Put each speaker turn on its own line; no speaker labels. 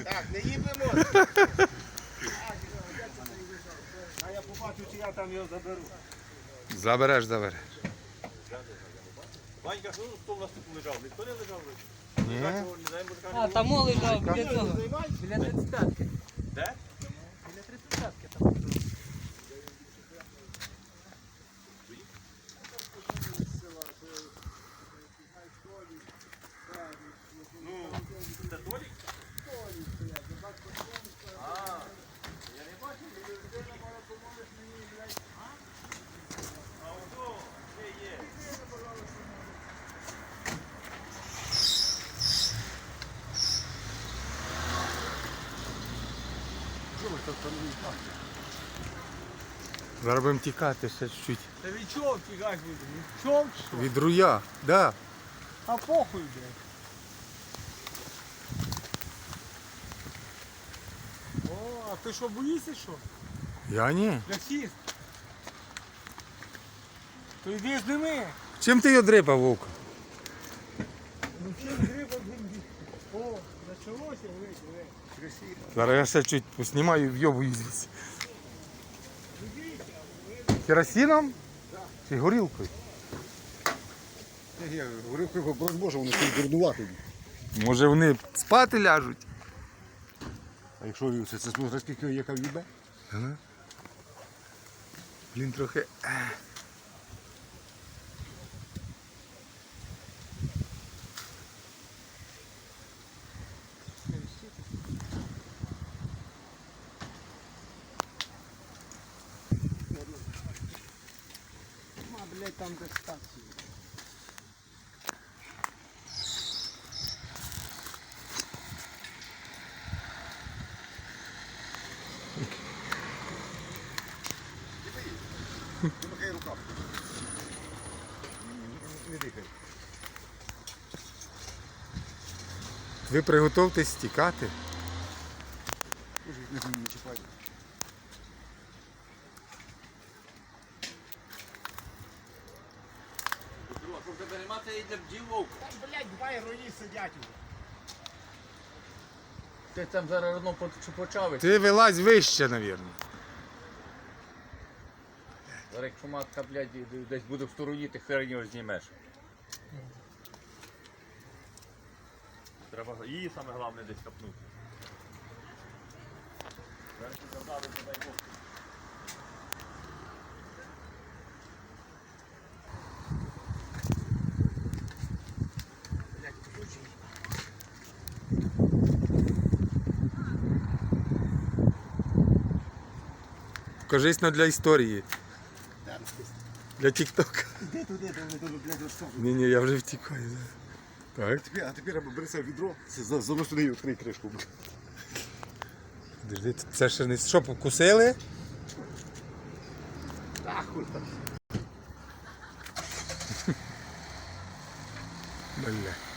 Так, не їдемо. А я побачу, чи я там його заберу.
Забереш.
Ванька, що хто в нас тут лежав? Ніхто не лежав?
Ні.
А, там лежав біля цього. Біля 35-ки.
Де?
Біля 35-ки там лежав.
Ну, це Толік? Я не бачив, людина мала помогти мені, блядь. А ото, є.
Зараз будемо тікати ще чуть-чуть.
Та від чого втікати буде? Від чого?
Від руя, да.
А похуй, блядь. О, а ти що, боїшся, що?
Я ні.
Расіст. То йди з ними.
Чим ти його дрипав, Вовка?
Ну чим гриба бенді? О, началося, ви. Красиво.
Зараз я ще чуть поснімаю, вйобую звідси. Керосином? Чи горілкою?
Я говорив, боже, вони тут дурнувати.
Може вони спати ляжуть?
А якщо це смотри, скільки яка в'їбе?
Ага. Блін, трохи.
А, блядь, там де стація.
Помахай рукав. Не дихай.
Ви приготовтесь тікати.
Не чіпай.
Щоб тебе нема, це йде бджіл вовка.
Там, блядь, два герої сидять.
Ти там зараз одно почав.
Ти вилазь вище, мабуть.
Зараз якщо матка, блядь, десь буде в стороні, ти хер його знімеш. Треба її саме головне десь капнути. Зараз ти задали, не дай Бог.
Покажись для історії. Для тік-тока.
Іди туди, де вони дуже, блядь, розсовують.
Ні, я вже втікаю. Так.
А тепер бери себе відро, занос туди і відкрий кришку.
Подожди, це ще не що, покусили?
Так, хуй там.
Бля.